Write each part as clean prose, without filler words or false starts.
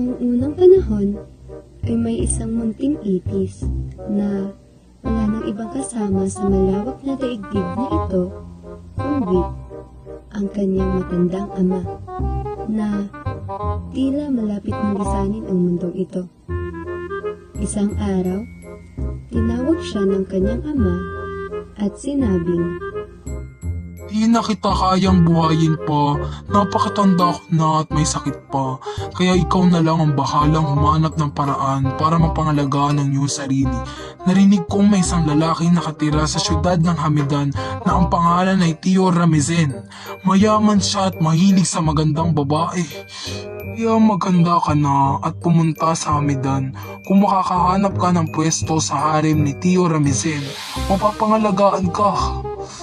Noong unang panahon ay may isang munting ipis na wala nang ibang kasama sa malawak na daigdig na ito kundi ang kanyang matandang ama na tila malapit ng lisanin ang mundong ito. Isang araw, tinawag siya ng kanyang ama at sinabing, "Di na kita kayang buhayin pa, napakatanda ko na at may sakit pa, kaya ikaw na lang ang bahalang humanap ng paraan para mapangalagaan ang iyong sarili. Narinig kong may isang lalaki nakatira sa syudad ng Hamidan na ang pangalan ay Tio Ramizen. Mayaman siya at mahilig sa magandang babae. Kaya maganda ka na at pumunta sa Hamidan. Kung makakahanap ka ng pwesto sa harem ni Tio Ramizen, mapapangalagaan ka."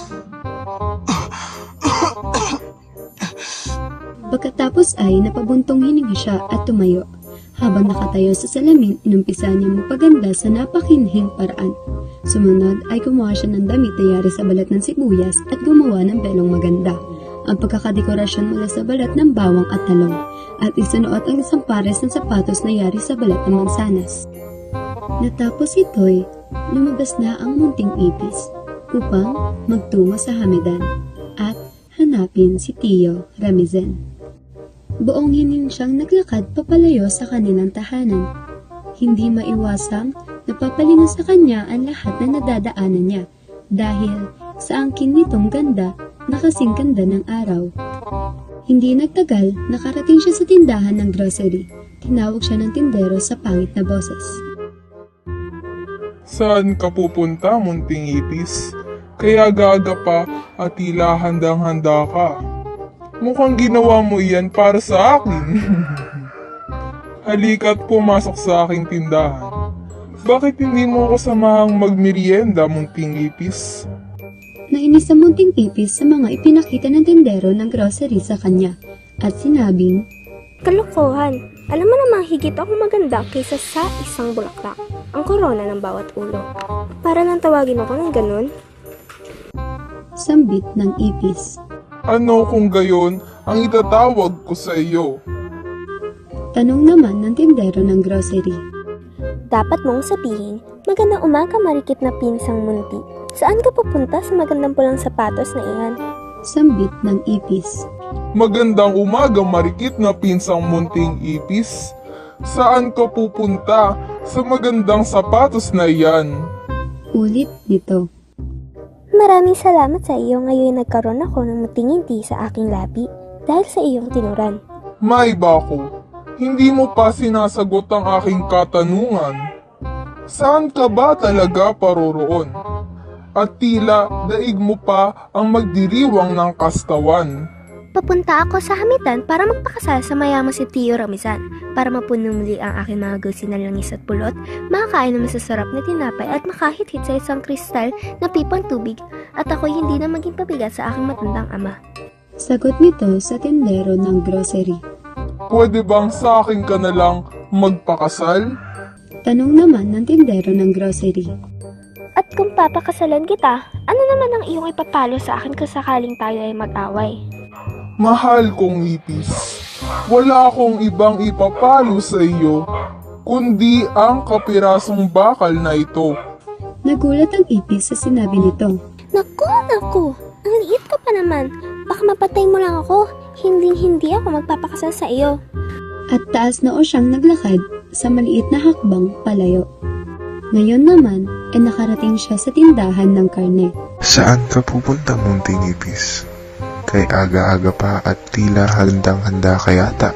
Pagkatapos ay napabuntong hininga siya at tumayo. Habang nakatayo sa salamin, inumpisa niya magpaganda sa napakinhing paraan. Sumunod ay gumawa siya ng damit na yari sa balat ng sibuyas at gumawa ng belong maganda. Ang pagkakadekorasyon mula sa balat ng bawang at talong at isunuot ang isang pares ng sapatos na yari sa balat ng mansanas. Natapos ito'y lumabas na ang munting ipis upang magtungo sa Hamidan at hanapin si Tio Ramizen. Buong hining siyang naglakad papalayo sa kanilang tahanan. Hindi maiwasang napapalingon sa kanya ang lahat na nadadaanan niya dahil sa angkin nitong ganda na kasing ganda ng araw. Hindi nagtagal, nakarating siya sa tindahan ng grocery. Tinawag siya ng tindero sa pangit na boses. "Saan ka pupunta, munting ipis? Kaya gaga pa at tila handang-handa ka. Mukhang ginawa mo iyan para sa akin." "Halika't pumasok sa aking tindahan. Bakit hindi mo ako samahang magmerienda, munting ipis?" Nainis sa munting ipis sa mga ipinakita ng tindero ng grocery sa kanya at sinabing, "Kalokohan! Alam mo namang higit ako maganda kaysa sa isang bulaklak, ang korona ng bawat ulo. Para nang tawagin ako ng ganun?" Sambit ng ipis. "Ano kung gayon ang itatawag ko sa iyo?" Tanong naman ng tindero ng grocery. Dapat mong sabihin, "Magandang umaga, marikit na pinsang munti. Saan ka pupunta sa magandang pulang sapatos na iyan?" Sambit ng ipis. "Magandang umaga, marikit na pinsang munting ipis. Saan ka pupunta sa magandang sapatos na iyan?" Ulit nito. "Maraming salamat sa iyo, ngayon nagkaroon ako ng mutingindi sa aking labi dahil sa iyong tinuran." "May bako, hindi mo pa sinasagot ang aking katanungan. Saan ka ba talaga paroroon? At tila daig mo pa ang magdiriwang ng kastawan." Papunta ako sa Hamidan para magpakasal sa mayaman si Tio Ramizan para mapuno muli ang aking mga gusi na langis at pulot, makakain ng masasarap na tinapay at makahit-hit sa isang kristal na pipang tubig at ako'y hindi na maging pabigat sa aking matandang ama. Sagot nito sa tindero ng grocery. "Pwede bang sa akin ka na lang magpakasal?" Tanong naman ng tindero ng grocery. At kung papakasalan kita, ano naman ang iyong ipapalo sa akin kung sakaling tayo ay mag-away? "Mahal kong ipis, wala akong ibang ipapalo sa iyo, kundi ang kapirasong bakal na ito." Nagulat ang ipis sa sinabi nito. Naku! Ang liit ka pa naman. Baka mapatay mo lang ako. Hindi ako magpapakasal sa iyo. At taas na o siyang naglakad sa maliit na hakbang palayo. Ngayon naman ay nakarating siya sa tindahan ng karne. "Saan ka pupunta, munting ipis? Kay aga-aga pa at tila handang-handa ka yata.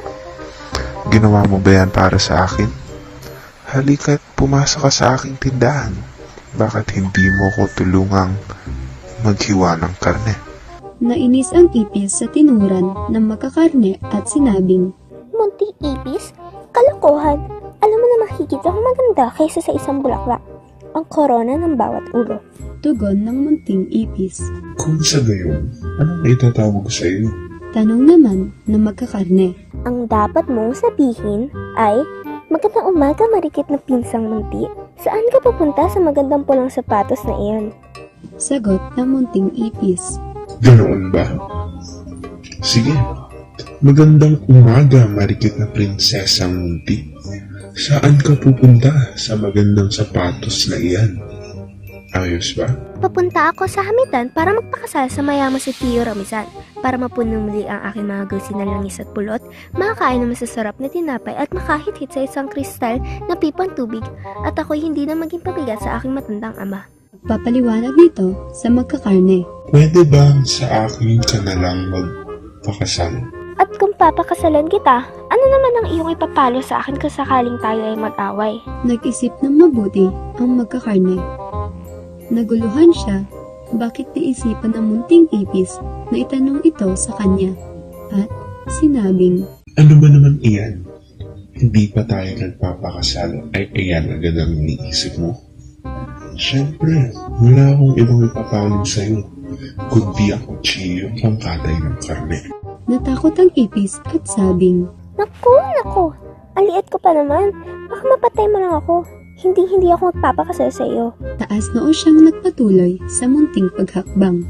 Ginawa mo ba yan para sa akin? Halika't pumasok ka sa aking tindahan. Bakit hindi mo ko tulungang maghiwa ng karne?" Nainis ang ipis sa tinuran ng magkakarne at sinabing, Munting ipis? Kalokohan! Alam mo namang higit ako maganda kaysa sa isang bulaklak, ang korona ng bawat ulo. tugon ng munting ipis. Kung sa gayon, anong itatawag sa iyo? Tanong naman ng magkakarne. Ang dapat mong sabihin ay, "Magandang umaga, marikit na pinsang munti. Saan ka pupunta sa magandang pulang sapatos na iyan?" Sagot ng munting ipis. Ganoon ba? Sige, Magandang umaga, marikit na prinsesang munti. Saan ka pupunta sa magandang sapatos na iyan? Ayos ba? Papunta ako sa hamitan para magpakasal sa mayaman si Tio Ramizan. Para mapuno muli ang aking mga gawsi na langis at pulot, makakain ng masasarap na tinapay at makahit-hit sa isang kristal na pipang tubig at ako'y hindi na maging pabigat sa aking matandang ama. Papaliwanag nito sa magkakarne. Pwede ba sa akin ka na lang magpakasal? At kung papakasalan kita, ano naman ang iyong ipapalo sa akin kung sakaling tayo ay mag-away? Nag-isip ng mabuti ang magkakarne. Naguluhan siya, bakit naisipan ng munting ipis na itanong ito sa kanya. At sinabing, Ano ba naman iyan? Hindi pa tayo nagpapakasal ay iyan agad ang iniisip mo? Siyempre, wala akong ibang ipapalong sa'yo, kundi ang kutsiyong pangkatay ng karne. natakot ang ipis at sabing, Naku, ang liit ko pa naman. Baka mapatay mo lang ako. Hindi ako magpapakasal sa iyo. taas noo siyang nagpatuloy sa munting paghakbang.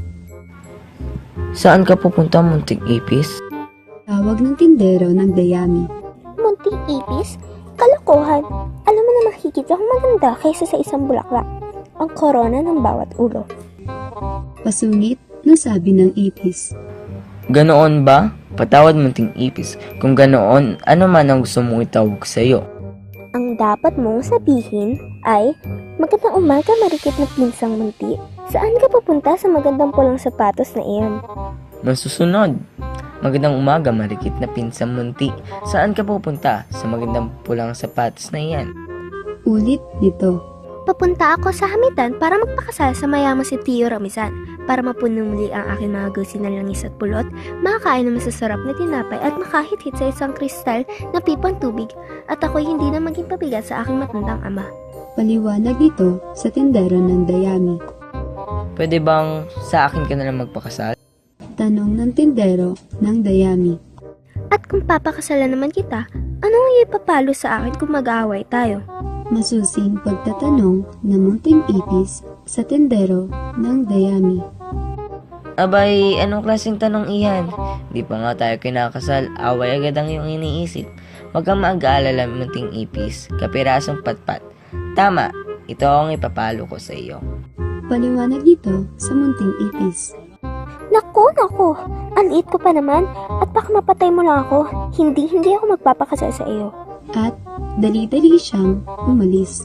Saan ka pupunta, munting ipis? Tawag ng tindero ng dayami. Munting ipis? Kalokohan. Alam mo na higit akong maganda kaysa sa isang bulaklak. Ang korona ng bawat ulo. Pasungit na sabi ng ipis. Ganoon ba? Patawad, munting ipis. Kung ganoon, ano man ang gusto mong itawag sa'yo? Ang dapat mong sabihin ay, magandang umaga marikit na pinsang munti. Saan ka pupunta sa magandang pulang sapatos na iyan? Masusunod. Magandang umaga, marikit na pinsang munti. Saan ka pupunta sa magandang pulang sapatos na iyan? Ulit nito. Papunta ako sa hamitan para magpakasal sa mayaman si Tio Ramizan. Para mapuno muli ang aking mga gawsi na langis at pulot, makakain ng masasarap na tinapay at makahit-hit sa isang kristal na pipang tubig at ako'y hindi na maging pabigat sa aking matandang ama. Paliwanag nito sa tindero ng dayami. Pwede bang sa akin ka na lang magpakasal? Tanong ng tindero ng dayami. At kung papakasalan naman kita, anong ipapalo sa akin kung mag-aaway tayo? Masusing pagtatanong ng munting ipis sa tindero ng dayami. Abay, anong klaseng tanong iyan? Di pa nga tayo kinakasal, away agad ang iyong iniisip. Huwag kang mag-aalala, munting ipis, kapirasong patpat. Tama, ito ang ipapalo ko sa iyo. Paliwanag nito sa munting ipis. Naku, ang liit ko pa naman at baka mapatay mo lang ako. Hindi ako magpapakasal sa iyo. At dali-dali siyang umalis.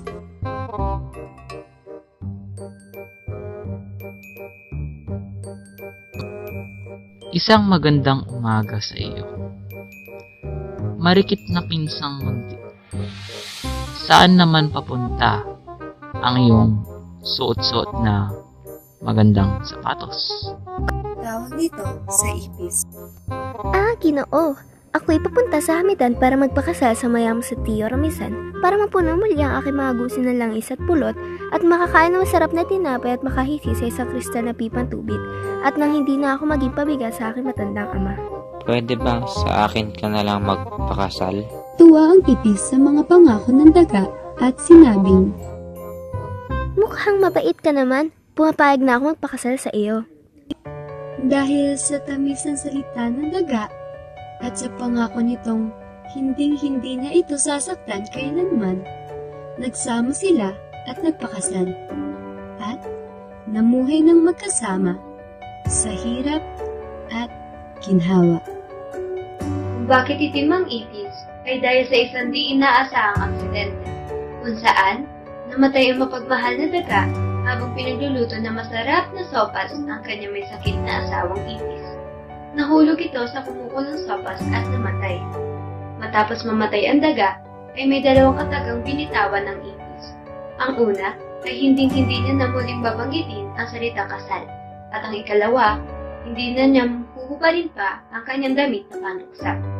Isang magandang umaga sa iyo. Marikit na pinsang munti. Saan naman papunta ang iyong suot-suot na magandang sapatos? Tawag nito sa ipis. Ginoo. Ako'y papunta sa hamitan para magpakasal sa mayaman si Tio Ramizan para mapuno muli ang aking mga gusin ng langis at pulot at makakain ng masarap na tinapay at makahisi sa isang kristal na pipang tubig at nang hindi na ako maging pabigat sa aking matandang ama. Pwede ba sa akin ka na lang magpakasal? Tuwa ang ipis sa mga pangako ng daga at sinabing, Mukhang mabait ka naman. Pumapayag na ako magpakasal sa iyo. dahil sa tamis ng salita ng daga at sa pangako nitong hinding-hindi niya ito sasaktan kailanman, nagsama sila at nagpakasal. At namuhay ng magkasama sa hirap at ginhawa. Bakit itim ang ipis ay dahil sa isang di inaasahang aksidente, kung saan namatay ang mapagmahal na daga habang pinagluluto ng masarap na sopas ang kanyang may sakit na asawang ipis. Nahulog ito sa kumukulong sopas at namatay. Matapos mamatay ang daga, ay may dalawang katagang binitawan ng ipis. Ang una ay hinding-hindi niya na muling babanggitin ang salitang kasal, at ang ikalawa, hindi na niya huhubarin pa ang kanyang damit na panuksa.